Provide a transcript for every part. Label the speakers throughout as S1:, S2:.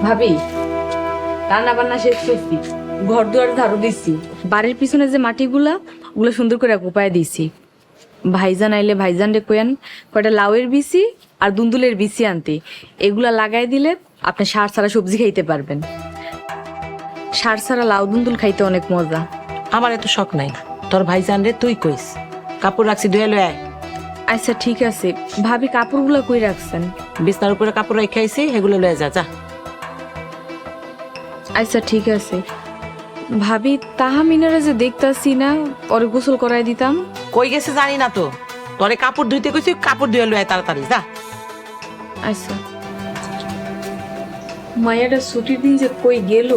S1: ভাবি, রান্না বান্না শেষ করছি, ঘর দুয়ার ঝাড়ু দিচ্ছি, বাড়ির পিছনে যে মাটিগুলা ওগুলো সুন্দর করে কোপায় দিছি। ভাইজান আইলে ভাইজান রে কয়ান কয়টা লাউয়ের বিচি আর দুন্দুলের বিচি আনতে, এগুলা লাগাই দিলে আপনি সার ছাড়া সবজি খাইতে পারবেন। সার ছাড়া লাউ দুন্দুল খাইতে অনেক মজা।
S2: আমার এত শখ নাই, তোর ভাইজান রে তুই কইস। কাপড় রাখছি ধুয়ে লয়।
S1: আচ্ছা ঠিক আছে, ভাবি কাপড়গুলো কই রাখছেন?
S2: বিছনার উপরে কাপড় রেখে আইছি, সেগুলো লয়ে যা।
S1: আচ্ছা ঠিক আছে। ভাবি তাহামিনারে যে দেখতাছি না, ওরে গোসল করাই দিতাম।
S2: কই গেছে জানি না তো, তোরে কাপড় ধুইতে কইছি, কাপড় ধুয়ে লয় তাড়াতাড়ি যা।
S1: আচ্ছা। মায়াটা ছুটির দিন যে কই গেল?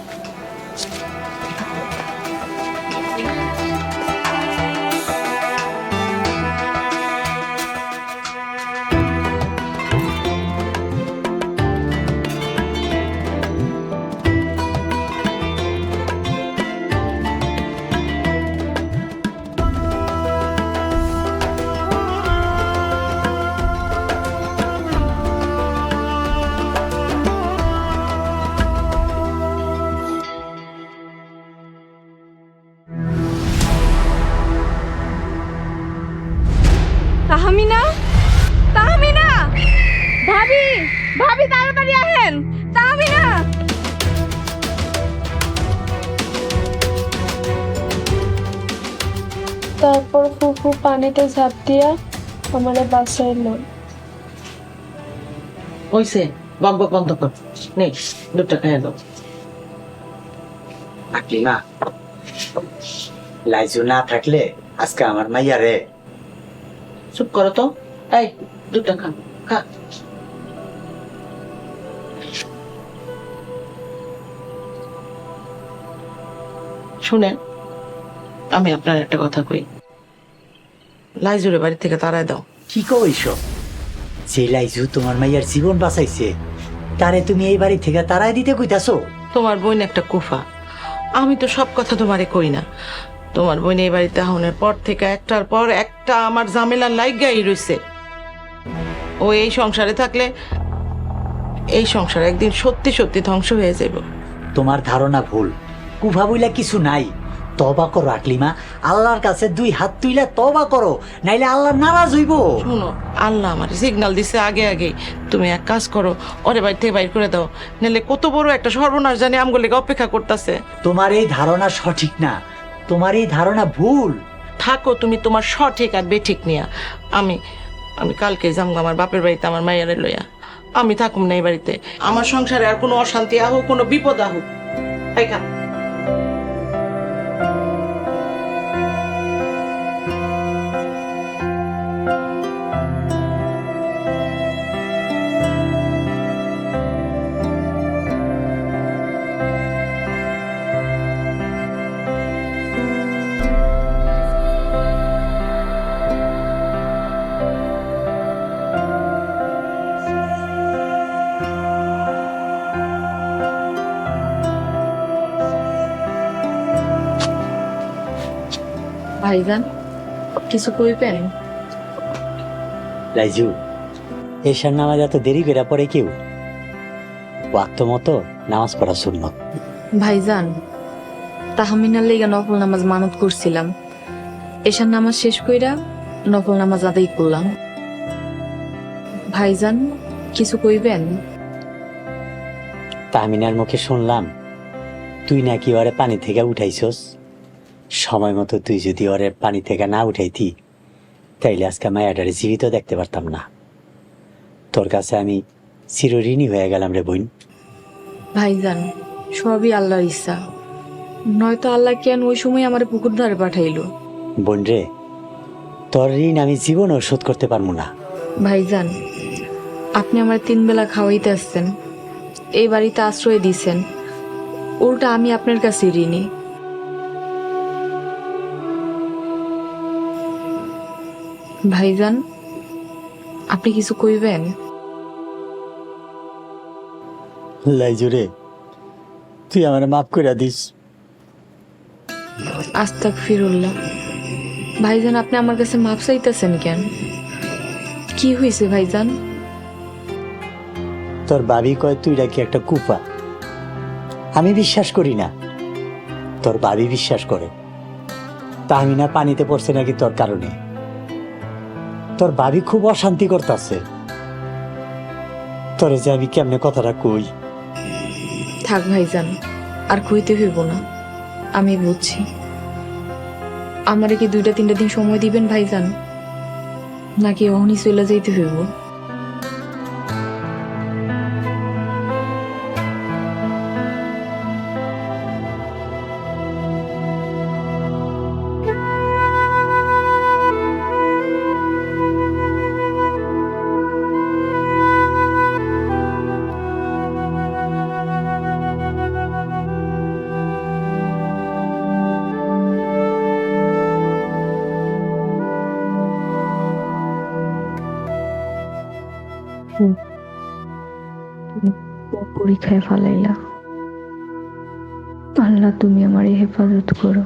S1: তাহমিনা, তাহমিনা, ভাবি, ভাবি তাড়াতাড়ি আহেন, তাহমিনা।
S3: তারপর ফুফু পানিতে ঝাঁপ দিয়া আমারে বাঁচাইল।
S2: হইছে, বক বক বন্ধ কর। নেই, দুধটা খাইয়ে দাও।
S4: আকলিমা, লাইজু না থাকলে আজকে আমার মাইয়া রে।
S2: চুপ করো তো। এই দুধটা খা, খা। শুনেন, আমি আপনার একটা কথা কই, লাইজুরে বাড়ি থেকে তাড়ায় দাও।
S4: কি কইস? যে লাইজু তোমার মাইয়ার জীবন বাঁচাইছে, তারে তুমি এই বাড়ি থেকে তাড়াই দিতে কইতাছো?
S2: তোমার বোন একটা কুফা, আমি তো সব কথা তোমারে কই না। তোমার বোন এই বাড়িতে আহনের পর থেকে একটার পর একটা আমার ঝামেলা লাইগাই রইছে। ও এই সংসারে থাকলে এই সংসার একদিন সত্যি সত্যি ধ্বংস হয়ে যাবে।
S4: তোমার ধারণা ভুল, কুফা বইলা কিছু নাই। তবা করো আকলিমা, আল্লাহর কাছে দুই হাত তুইলা তবা করো, নাইলে আল্লাহ নারাজ হইব।
S2: শুনো, আল্লাহ আমার সিগন্যাল দিছে আগে আগে। তুমি এক কাজ করো, ওরে বাড়ি থেকে বাইর করে দাও, নাহলে কত বড় একটা সর্বনাশ জানি আমগুলিকে অপেক্ষা করতেছে।
S4: তোমার এই ধারণা সঠিক না, তোমার এই ধারণা ভুল।
S2: থাকো তুমি তোমার সঠিক আর বেঠিক নিয়া। আমি আমি কালকে যাবো আমার বাপের বাড়িতে আমার মায়ের লইয়া। আমি থাকুম না এই বাড়িতে। আমার সংসারে আর কোনো অশান্তি আহুক, কোনো বিপদ আহুক। এই খা।
S1: ভাইজান কিছু কইবেন?
S4: লাইজু, এশার নামাজ এত দেরি করে পড়ে কেউ? ওয়াক্ত মতো নামাজ পড়া সুন্নত।
S1: ভাইজান, তাহমিনার লেগে নফল নামাজ মানত করছিলাম, এশার নামাজ শেষ কইরা নফল নামাজ আদায় করলাম। ভাইজান কিছু কইবেন?
S4: তাহমিনার মুখে শুনলাম তুই নাকি ওরে পানি থেকে উঠাইছস। সময় মতো তুই যদি ওরে পানি থেকে না উঠাইতি, তাইলে আজকে মায়াটারে জীবিত দেখতে পারতাম না। তোর কাছে আমি চিরঋণী হয়ে গেলাম রে বোন।
S1: ভাইজান সবই আল্লাহর ইচ্ছা, নয়তো আল্লাহ কেন ওই সময় আমার পুকুর ধারে পাঠাইলো।
S4: বোন রে, তোর ঋণ আমি জীবনও শোধ করতে পারবো না।
S1: ভাইজান আপনি আমার 3 বেলা খাওয়াইতে আসছেন, এই বাড়িতে আশ্রয় দিছেন, উল্টা আমি আপনার কাছে ঋণী। ভাইজান আপনি কিছু কইবেন?
S4: লাইজু রে, তুই আমার মাফ করে দিস।
S1: আস্তাগফিরুল্লাহ। ভাইজান আপনি আমার কাছে মাপ চাইতেছেন কেন? কি হয়েছে ভাইজান?
S4: তোর ভাবি কয় তুই নাকি একটা কুফা। আমি বিশ্বাস করি না, তোর ভাবি বিশ্বাস করে। তাহমিনা পানিতে পড়ছে নাকি তোর কারণে। তোর ভাবি খুব অশান্তি করতেছে। তোরে যে আমি কেমনে কথাটা কই।
S1: থাক ভাইজান, আর কইতে হইব না, আমি বুঝছি। আমারে কি 2-3 দিন সময় দিবেন ভাইজান, নাকি অহনি চলে যাইতে হইব?
S3: পরীক্ষায় ফালাইলা। আল্লাহ, তুমি আমার হেফাজত করো।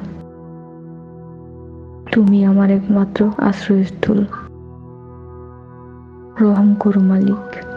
S3: তুমি আমার একমাত্র আশ্রয়স্থল। রহম করো মালিক।